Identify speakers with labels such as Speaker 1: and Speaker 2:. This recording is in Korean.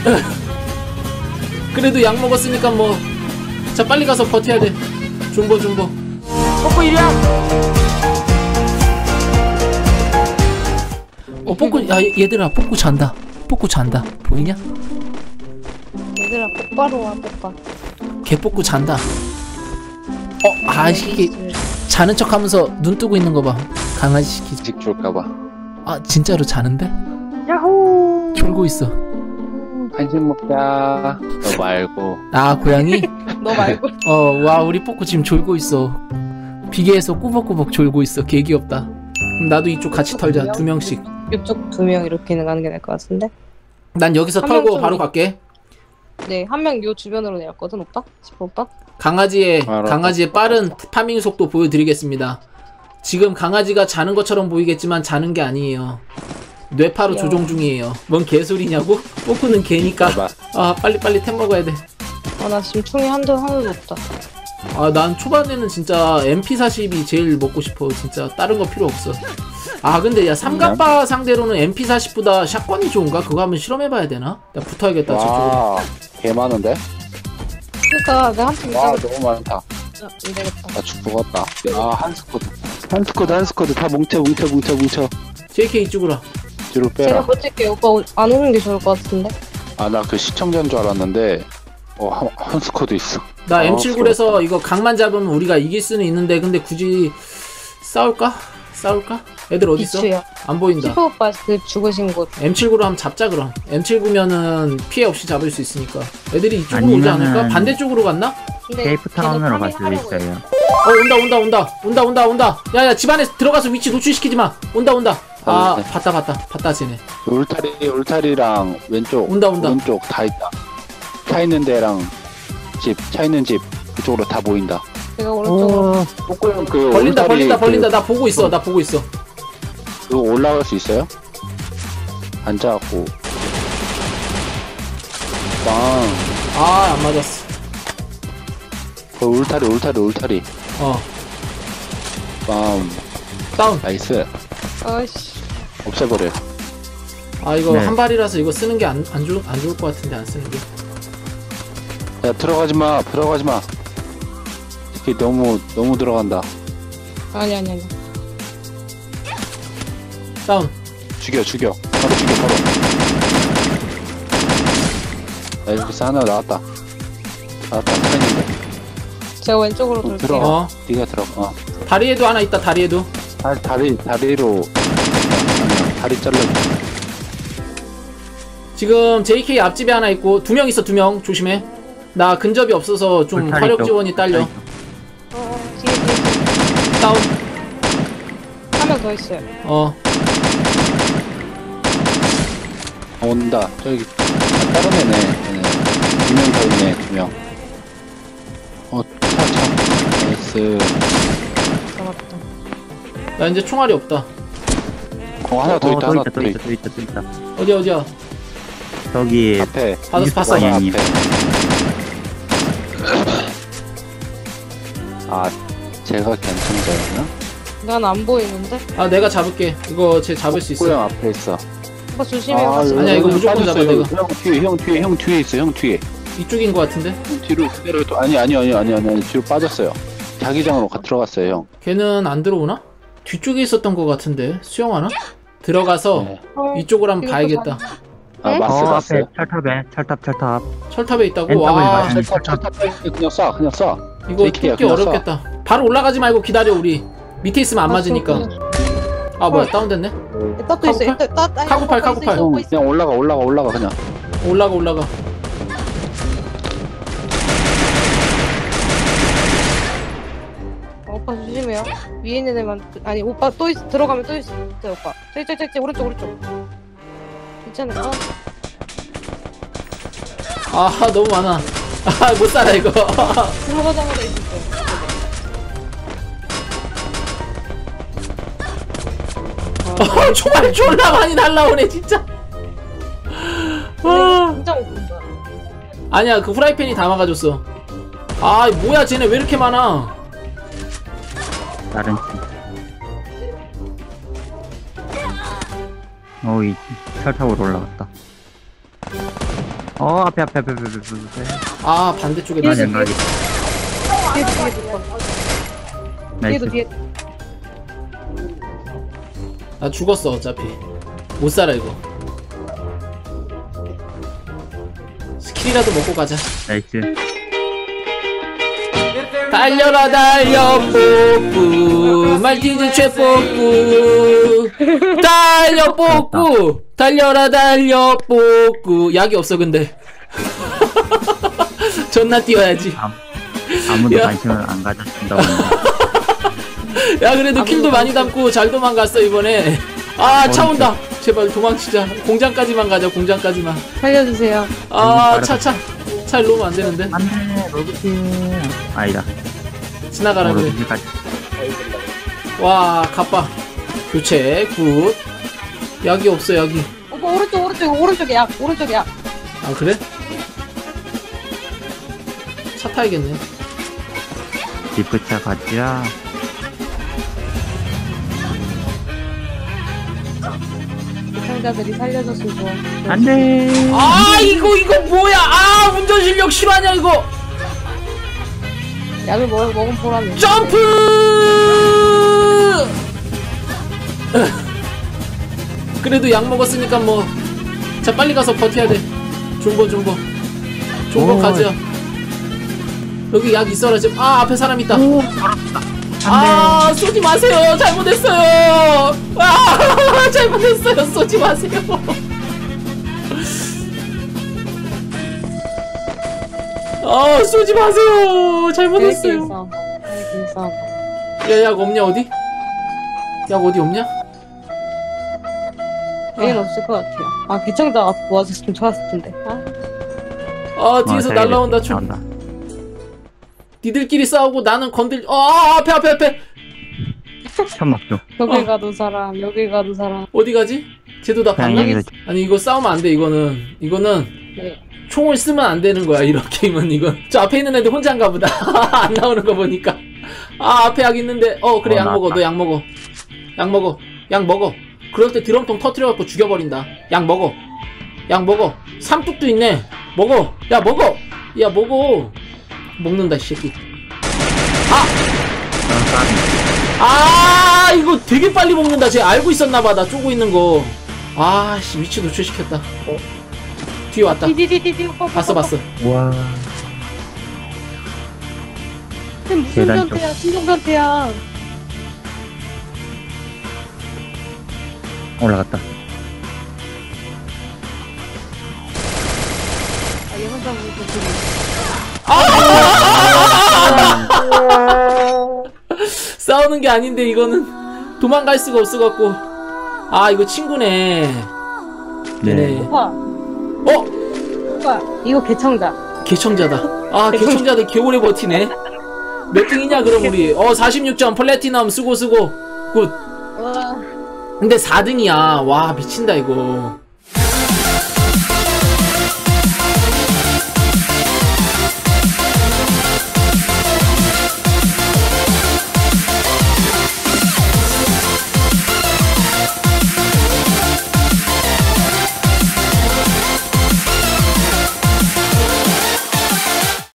Speaker 1: 그래도 약 먹었으니까 뭐. 자 빨리 가서 버텨야 돼. 존버. 뽀꾸 이리야. 뽀꾸. 야 얘들아 뽀꾸 잔다. 보이냐?
Speaker 2: 얘들아 똑바로 와 똑바로.
Speaker 1: 개뽀꾸 잔다. 이게 자는 척하면서 눈 뜨고 있는 거 봐. 강아지 시키지.
Speaker 3: 식 줄까봐.
Speaker 1: 아 진짜로 자는데?
Speaker 2: 야호.
Speaker 1: 졸고 있어.
Speaker 3: 간식 먹자. 너 말고.
Speaker 1: 아 고양이?
Speaker 2: 너 말고.
Speaker 1: 와 우리 뽀꾸 지금 졸고 있어. 비계에서 꾸벅꾸벅 졸고 있어. 개 귀엽다. 그럼 나도 이쪽 같이 털자. 2명씩.
Speaker 2: 이쪽 2명 이렇게는 가는 게 나을 것 같은데.
Speaker 1: 난 여기서 털고 바로 갈게.
Speaker 2: 네, 한 명 요 주변으로 내렸거든 오빠? 싶어 오빠?
Speaker 1: 강아지의 빠른 파밍 속도 보여드리겠습니다. 지금 강아지가 자는 것처럼 보이겠지만 자는 게 아니에요. 뇌파로 조종 중이에요. 뭔 개소리냐고? 뽀꾸는 개니까. 빨리 템 먹어야 돼.
Speaker 2: 나 지금 총이 하나도 없다.
Speaker 1: 난 초반에는 진짜 MP40이 제일 먹고 싶어. 진짜 다른 거 필요 없어. 근데 야 삼각바 상대로는 MP40보다 샷건이 좋은가? 그거 한번 실험해봐야 되나? 나 붙어야겠다. 저쪽으로.
Speaker 3: 개 많은데?
Speaker 2: 그니까 내가 한팀
Speaker 3: 와 너무 많다.
Speaker 2: 이래겠다.
Speaker 3: 나 죽었다. 한 스쿼드 다 뭉쳐.
Speaker 1: JK 이쪽으로 와.
Speaker 3: 뒤로
Speaker 2: 제가
Speaker 3: 빼라.
Speaker 2: 버틸게. 오빠 안 오는 게 좋을 것 같은데.
Speaker 3: 나 그 시청자인 줄 알았는데 한 스쿼드 있어.
Speaker 1: 나 M79에서 이거 각만 잡으면 우리가 이길 수는 있는데 근데 굳이 싸울까? 애들 어딨어? 안 보인다.
Speaker 2: 슈퍼 오빠 그 죽으신 곳.
Speaker 1: M79로 한번 잡자 그럼. M79면은 피해 없이 잡을 수 있으니까. 애들이 이쪽으로 오지 않을까? 반대쪽으로 갔나?
Speaker 4: 케이프 타운으로 갈 수도 있어요.
Speaker 1: 온다. 야야 집 안에 들어가서 위치 노출시키지 마. 온다. 봤다 쟤네.
Speaker 3: 울타리랑 왼쪽.
Speaker 1: 온다.
Speaker 3: 오른쪽 다 있다. 차 있는 데랑 차 있는 집 그쪽으로 다 보인다.
Speaker 2: 제가 오른쪽으로.
Speaker 3: 뽀꾸형 그
Speaker 1: 벌린다. 나 보고 있어.
Speaker 3: 그거 올라갈 수 있어요? 앉아갖고. 빵.
Speaker 1: 안 맞았어.
Speaker 3: 그 울타리. 빵.
Speaker 1: 다운.
Speaker 3: 나이스.
Speaker 2: 아이씨.
Speaker 3: 없애버려.
Speaker 1: 이거
Speaker 4: 네.
Speaker 1: 한 발이라서 이거 쓰는 게 안 좋을 것 같은데 안 쓰는 게.
Speaker 3: 야 들어가지 마. 이게 너무 들어간다.
Speaker 2: 아니.
Speaker 1: 다운.
Speaker 3: 죽여. 바로 죽여. 나이스 하나 나왔다. 타있는데.
Speaker 2: 제가 왼쪽으로 돌게요.
Speaker 3: 들어가. 네가 들어가.
Speaker 1: 다리에도 하나 있다. 다리에도.
Speaker 3: 다리로. 다리 잘라.
Speaker 1: 지금 JK 앞집에 하나 있고 2명 있어. 2명 조심해. 나 근접이 없어서 좀 화력 지원이 딸려.
Speaker 2: 뒤에.
Speaker 1: 다운.
Speaker 2: 한 명 더 있어요.
Speaker 3: 온다. 저기 다른 애네. 2명 더 있네. 2명. 차. 나이스.
Speaker 2: 잡았다.
Speaker 1: 나 이제 총알이 없다.
Speaker 3: 하나 더 있다.
Speaker 4: 또 있다.
Speaker 1: 어디야?
Speaker 4: 저기
Speaker 3: 앞에.
Speaker 1: 봤어.
Speaker 4: 방향이.
Speaker 3: 제가 괜찮다였나?
Speaker 2: 난 안 보이는데?
Speaker 1: 내가 잡을게. 이거 쟤 잡을 수 있어.
Speaker 3: 뽀꾸형 앞에 있어.
Speaker 2: 오빠 조심해요. 같이.
Speaker 1: 아니야, 이거 무조건 잡아, 내가.
Speaker 3: 형 뒤에 있어. 형 뒤에.
Speaker 1: 이쪽인 것 같은데?
Speaker 3: 뒤로 그대로 아니 뒤로 빠졌어요. 자기장으로 들어갔어요, 형.
Speaker 1: 걔는 안 들어오나? 뒤쪽에 있었던 것 같은데 수영하나? 들어가서
Speaker 3: 네.
Speaker 1: 이쪽으로 한번 봐야겠다.
Speaker 3: 마스.
Speaker 4: 앞에 철탑.
Speaker 1: 철탑에 있다고?
Speaker 4: 왼쪽을
Speaker 1: 와
Speaker 4: 맞으면
Speaker 3: 그냥 쏴.
Speaker 1: 이거
Speaker 3: JK 야,
Speaker 1: 뚫기
Speaker 3: 그냥
Speaker 1: 어렵겠다. 바로 올라가지 말고 기다려. 우리 밑에 있으면 안 맞으니까. 뭐야 다운됐네?
Speaker 2: 따또 있어.
Speaker 1: 카구팔.
Speaker 3: 그냥 올라가 그냥.
Speaker 1: 올라가.
Speaker 2: 오빠 조심해요. 위에 있는 애만 아니 오빠 또 있어. 들어가면 또 있어. 오빠. 저기 오른쪽. 괜찮을까?
Speaker 1: 너무 많아. 못 살아 이거.
Speaker 2: 들어가자마자 있었어요.
Speaker 1: 총알이 졸라 많이 날라오네 진짜.
Speaker 2: 진짜 못 본다.
Speaker 1: 아니야 그 후라이팬이 다 막아줬어. 뭐야 쟤네 왜 이렇게 많아.
Speaker 4: 다른 팀. 이 철탑으로 올라갔다. 앞에.
Speaker 1: 아 반대쪽에
Speaker 2: 뒤에
Speaker 4: 아니,
Speaker 1: 있어.
Speaker 4: 안 가게.
Speaker 2: 뒤에도
Speaker 4: 나이스.
Speaker 2: 뒤에.
Speaker 1: 나 죽었어 어차피. 못 살아 이거. 스킬이라도 먹고 가자.
Speaker 4: 나이스.
Speaker 1: 달려라 달려 뽀꾸 말티즈 최뽀꾸 달려 뽀꾸 달려라 달려 뽀꾸. 약이 없어 근데. 존나 뛰어야지.
Speaker 4: 아무도
Speaker 1: 야.
Speaker 4: 관심을 안 가져준다고.
Speaker 1: 야 그래도 킬도 많이 담고 잘 도망갔어 이번에. 아 차 온다. 제발 도망치자. 공장까지만 가자. 공장까지만.
Speaker 2: 살려주세요.
Speaker 1: 아 차 일로 오면 안 되는데.
Speaker 4: 안돼, 로드킬. 아니다.
Speaker 1: 지나가라 그래.
Speaker 4: 로드킬까지.
Speaker 1: 와 갑바 교체 굿. 약이 없어 약이.
Speaker 2: 오빠 오른쪽에 약. 오른쪽에 약.
Speaker 1: 아 그래? 차 타야겠네.
Speaker 4: 디프차 가자.
Speaker 2: 시청자들이 살려줬으면 좋아.
Speaker 4: 안돼.
Speaker 1: 아 이거 뭐야? 아 운전 실력 실화냐 이거?
Speaker 2: 약을 먹은 보람이.
Speaker 1: 점프! 그래도 약 먹었으니까 뭐. 자 빨리 가서 버텨야 돼. 존버
Speaker 4: 오.
Speaker 1: 가자. 여기 약 있어라 지금. 아 앞에 사람 있다.
Speaker 4: 오,
Speaker 1: 아 쏘지 마세요. 잘못했어요. 아 잘못했어요. 쏘지 마세요. 아 쏘지 마세요. 잘못했어요. 야 약 없냐 어디? 약 어디 없냐?
Speaker 2: 얘는 없을 것 같아요. 아 개청자 와서 모아줬으면 좋았을 텐데. 아.
Speaker 1: 뒤에서 날라온다.
Speaker 4: 나온다.
Speaker 1: 니들끼리 싸우고 나는 건들. 앞에
Speaker 4: 천막죠.
Speaker 2: 여길 가도 사람, 여길 가도 사람.
Speaker 1: 어디 가지? 쟤도 다
Speaker 4: 그냥
Speaker 1: 방금.
Speaker 4: 여기서
Speaker 1: 아니 이거 싸우면 안 돼. 이거는
Speaker 2: 네.
Speaker 1: 총을 쓰면 안 되는 거야. 이런 게임은 이건. 저 앞에 있는 애들 혼자인가 보다. 안 나오는 거 보니까. 아 앞에 약 있는데. 그래 약 먹어. 너 약 먹어. 약 먹어. 그럴 때 드럼통 터트려갖고 죽여버린다. 약 먹어. 삼뚝도 있네. 먹어. 야 먹어. 먹는다 이 새끼. 이거 되게 빨리 먹는다. 쟤 알고 있었나봐. 나 쪼고 있는 거. 씨 위치 노출시켰다. 뒤에 왔다.
Speaker 2: 디디디디디 오빠.
Speaker 1: 봤어.
Speaker 4: 와.
Speaker 2: 무슨
Speaker 4: 계단 쪽.
Speaker 2: 변태야? 신종 변태야.
Speaker 4: 올라갔다.
Speaker 2: 얘 혼자 보고
Speaker 1: 싸우는 게 아닌데 이거는 도망갈 수가 없어갖고. 이거 친구네.
Speaker 4: 네.
Speaker 2: 오빠. 오빠 이거 개청자.
Speaker 1: 개청자다. 개청자들 개오래 버티네. 몇 등이냐 그럼 우리. 46점 플래티넘 수고 굿.
Speaker 2: 와.
Speaker 1: 근데 4등이야. 와 미친다 이거.